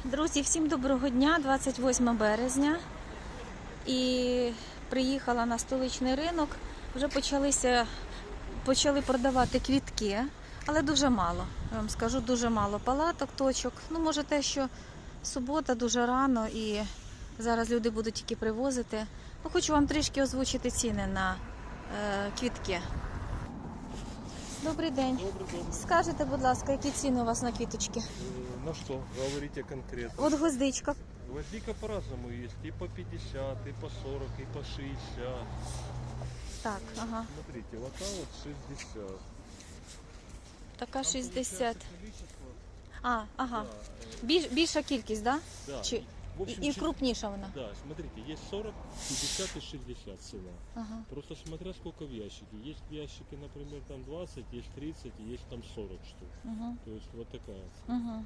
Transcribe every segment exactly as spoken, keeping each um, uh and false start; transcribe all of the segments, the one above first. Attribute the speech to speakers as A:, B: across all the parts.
A: Друзі, всім доброго дня, двадцять восьме березня. І приїхала на столичний ринок. Вже почалися, почали продавати квітки, але дуже мало. Я вам скажу, дуже мало палаток, точок. Ну, може те, що субота дуже рано і зараз люди будуть тільки привозити. Ну, хочу вам трішки озвучити ціни на е, квітки. Добрий день.
B: Добрый, добрый.
A: Скажете, будь ласка, які ціни у вас на квіточки?
B: Э, На что? Говорите конкретно.
A: От гвоздичка.
B: Гвоздика по-разному есть. И по пятьдесят, и по сорок, и по шестьдесят.
A: Так, ага.
B: Смотрите, вот та вот шестьдесят.
A: Така
B: Там
A: шістдесят.
B: получается количество,
A: А, ага.
B: да, э,
A: Біль, більша кількість, да?
B: да.
A: Чи,
B: В общем,
A: і
B: чи-
A: крупніша вона?
B: Да, смотрите, есть сорок, пятьдесят и шестьдесят цена.
A: Ага.
B: Просто смотря сколько в ящике. Есть в ящике, например, там двадцать, есть тридцать, и есть там сорок штук.
A: Угу.
B: То есть вот такая цена.
A: Угу.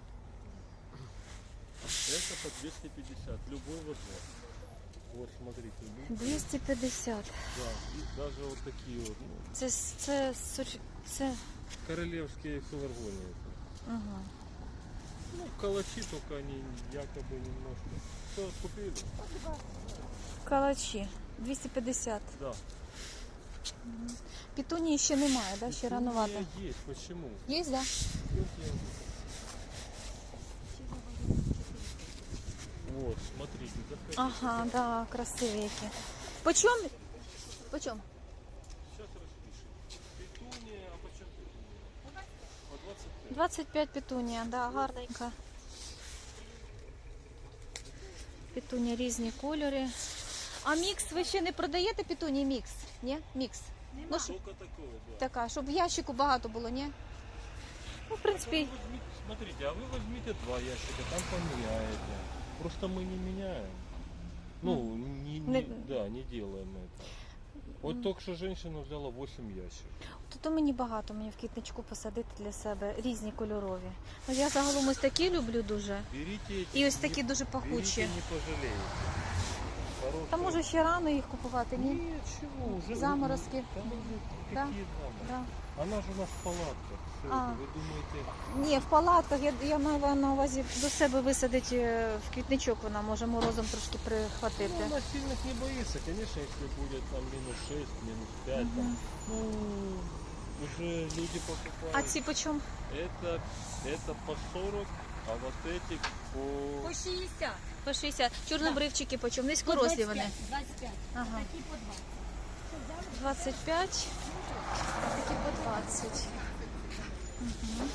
B: Это по двести пятьдесят, любой возможно. Вот смотрите, любой.
A: двісті п'ятдесят.
B: Да, и даже вот такие вот, ну,
A: Це, це, це, це...
B: королевские филармонии.
A: Угу.
B: Ну, калачи, только они якобы немножко. Что, купили?
A: Калачі. двісті п'ятдесят.
B: Да.
A: Пітунії ще немає, да? Ще рановато.
B: Петуния есть, почему?
A: Є, да?
B: Петуния. Вот, смотрите, заходите.
A: Ага, да, красиві які. Почем? Почем?
B: Сейчас распишем. Петуния, а почему петуния? По двадцать пять.
A: двадцять п'ять петунія, да, гарненька. Петунія різні кольори. А мікс ви ще не продаєте петунії мікс? Ні? Мікс. Ну, щоб
B: Только такое, да.
A: така, щоб в ящику багато було, ні? Ну, в принципі,
B: Вы возьмите, смотрите, а вы возьмите два ящика, там поменяете. Просто мы не меняем. Ну, не, не,
A: Не-
B: да, не делаем это. Вот только что женщина взяла восемь ящиков.
A: то мені багато, мені в квітничку посадити для себе різні кольорові. Ну, я загалом ось такі люблю дуже.
B: Берите эти.
A: І ось
B: не-
A: такі дуже пахучі.
B: Берите, не пожалеете. Хорошие.
A: Та може ще рано їх купувати, ні?
B: Нет, чего, уже.
A: Заморозки.
B: Там уже
A: Да?
B: какие заморозки?
A: Да.
B: Она же у нас в палатках. Что
A: А.
B: это, вы думаете?
A: Ні, в палатках, я, я маю на увазі до себе висадити е, в квітничок, вона може морозом трошки
B: Ну,
A: прихватити.
B: она сильных не боится, конечно, если будет там минус шесть, минус пять, там, ну, уже люди покупают.
A: А ці по чому?
B: Это, это по сорок, а вот эти по...
C: По шістдесят.
A: По шістдесят. Чорнобривчики по чому? Низькорослі вони.
C: двадцять п'ять.
A: Ага.
C: Такі по двадцять.
A: двадцять п'ять, а такі по двадцять. Угу.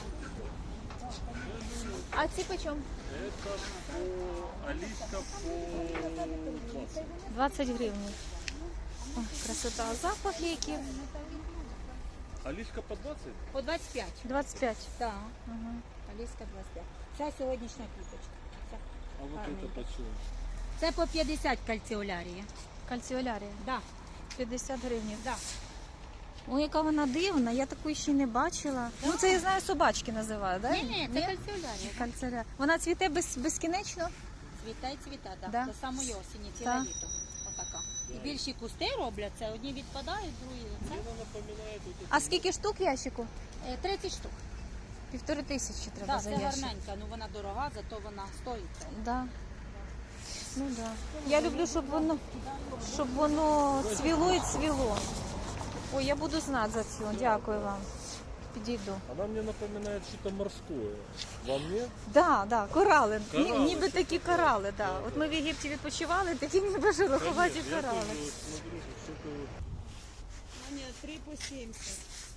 A: А ці по чому?
B: Это по... Алиска по двадцать.
A: двадцять гривень. О, красота. А запахи які?
B: Алиска по двадцать?
C: По двадцять п'ять.
A: двадцять п'ять.
C: Так.
A: Угу.
C: Аліска двадцять п'ять. Це сьогоднішня квіточка. Це,
B: А вот
C: Гарненько.
B: это почем?
C: це по п'ятдесят кальціолярії.
A: Кальціолярія.
C: Да.
A: п'ятдесят гривень.
C: Да.
A: Ой, яка вона дивна, я такої ще не бачила. Ну це я знаю, собачки називають, так?
C: Ні, ні, це кальціолярія.
A: Кальцеля. Вона цвіте без, безкінечно?
C: Цвіта і цвіта, да.
A: Да.
C: До самої осені, ціле
A: Так.
C: літо. Отака. І більші кусти роблять, це одні відпадають, другі. Це
B: Мне напоминает вот
A: А скільки штук в ящику?
C: е, тридцять штук.
A: Півтори тисячі треба
C: Да,
A: за
C: це
A: ящик.
C: гарненька, ну вона дорога, зато вона стоїть.
A: Да. Ну да. Я люблю, щоб воно, щоб воно цвіло і цвіло. Ой, я буду знати за цю. Дякую вам. Підійду.
B: Она мне напоминает что-то морское. Вам нет?
A: Да, да, корали. Ні-
B: Корали,
A: ніби
B: це
A: такі
B: таке.
A: корали, да.
B: Да,
A: От
B: да.
A: ми в Єгипті відпочивали, такі ніби шероховаті
B: Конечно, я
A: корали.
B: тоже вот смотрю, что что-то вот...
C: Ні, три по сімдесят.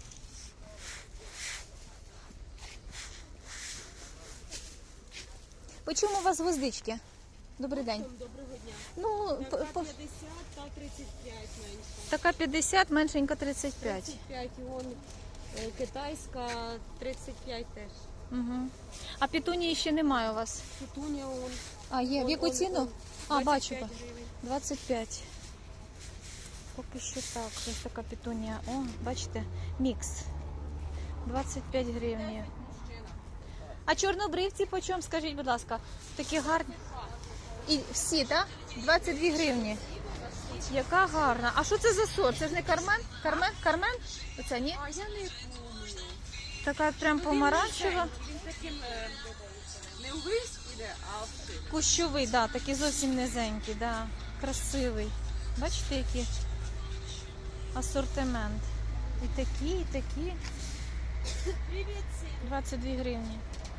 A: По чому у вас гвоздички? Добрий день.
C: Доброго дня.
A: Ну, по-
C: Така
A: по-
C: п'ятдесят та тридцять п'ять менше.
A: така п'ятдесят, меншенька тридцять п'ять.
C: тридцять п'ять, і вон е, китайська тридцять п'ять теж.
A: Угу. А петунії ще немає у вас?
C: Петуня он.
A: А, є. В яку
C: он-
A: ціну?
C: он
A: А, бачу.
C: двадцять п'ять гривень.
A: двадцять п'ять. Поки що так. Ось така петунія. О, бачите, мікс. двадцять п'ять гривень. А чорнобривці по чому, скажіть, будь ласка? Такі гарні. І всі, так? двадцять дві гривні. Яка гарна. А що це за сорт? Це ж не кармен? Кармен? Кармен? Оце ні?
C: А я не помню.
A: Така прям помаранчева.
C: Він таким е, не увесь,
A: Кущовий, да, такий зовсім низенький, да. Красивий. Бачите, який асортимент. І такі, і такі. двадцять дві гривні.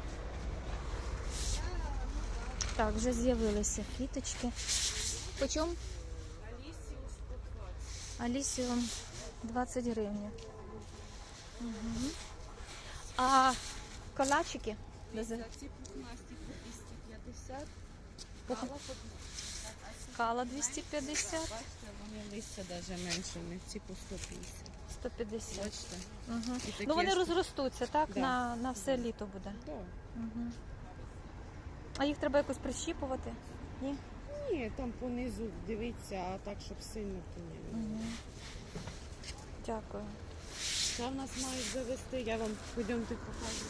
A: Так, вже з'явилися квіточки. Почому? Алісіум двадцять гривень. Угу. А калачики?
D: Ці пухнасті по двісті п'ятдесят,
A: Пух-
D: кава по двісті п'ятдесят.
A: Скала двісті п'ятдесят,
D: Бачите, вони листя навіть менше, у них ці по сто п'ятдесят.
A: сто п'ятдесят.
D: Бачите?
A: Угу.
D: І такі
A: Ну вони
D: ж-
A: розростуться, так?
D: Да.
A: На, на все літо буде.
D: Да.
A: Угу. А їх треба якось прищіпувати? Ні?
D: Ні, там понизу дивіться, а так, щоб сильно то ні.
A: Угу. Дякую.
D: Це в нас мають завести, я вам пойдемте покажу.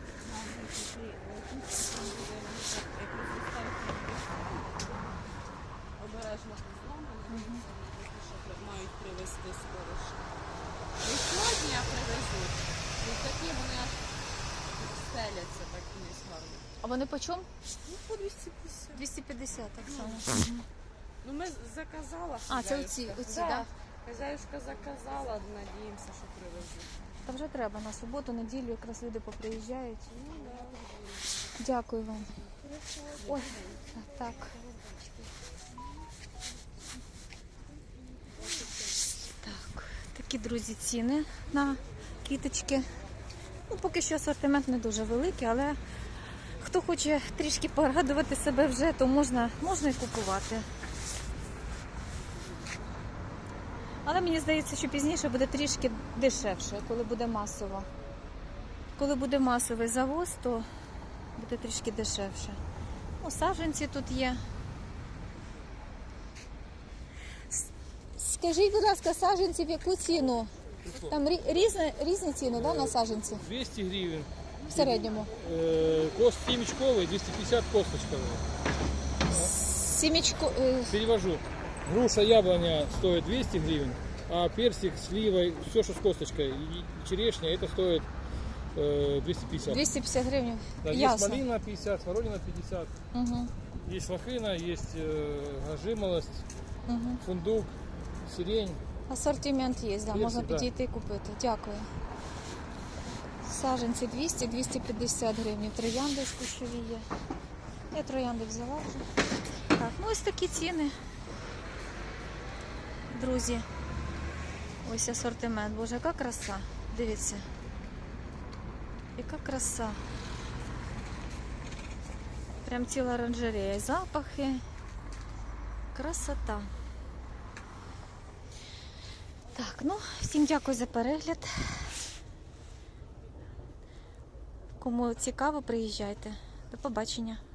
D: Обережно зламано, що мають привезти скоро ще. Не сьогодні, а привезуть. Ну такі вони аж стеляться, так вниз гарно.
A: А вони по чому?
D: Ну, по двісті п'ятдесят.
A: двісті п'ятдесят, так само. Мгм.
D: Ну ми заказала.
A: А, це
D: хазяюшка.
A: оці, оці,
D: Да.
A: так?
D: Хазяюшка заказала, надіємося, що привезуть.
A: Та вже треба на суботу, неділю, якраз люди поприїжджають.
D: Ну, да.
A: Дякую вам. Ой, так. Так, такі, друзі, ціни на квіточки. Ну, поки що асортимент не дуже великий, але хто хоче трішки порадувати себе вже, то можна, можна і купувати. Але мені здається, що пізніше буде трішки дешевше, коли буде масово. Коли буде масовий завоз, то буде трішки дешевше. Ну, саджанці тут є. С- Скажіть, будь ласка, саджанці в яку ціну? Там рі- різні, різні ціни, да, на саджанці
B: двести гривен.
A: в середньому.
B: Э, Кост семечковый, двести пятьдесят косточковый.
A: Сімічку, е,
B: Перевожу. Груша, яблоня стоит двести гривен, а персик, слива, все, что с косточкой, и черешня, это стоит э, двести пятьдесят.
A: двісті п'ятдесят гривень.
B: Да, есть
A: Ясно.
B: малина пятьдесят, смородина пятьдесят,
A: Угу,
B: есть лохина, есть э, жимолость,
A: угу.
B: фундук, сирень.
A: Асортимент є, да,
B: Є,
A: можна
B: да.
A: підійти і купити. Дякую. Саджанці двісті - двісті п'ятдесят гривень. Троянди з кущові є. Я троянди взяла вже. Так, ну ось такі ціни. Друзі. Ось асортимент. Боже, яка краса. Дивіться. Яка краса. Прям ціла оранжерея. Запахи. Красота. Так, ну, всім дякую за перегляд. Кому цікаво, приїжджайте. До побачення.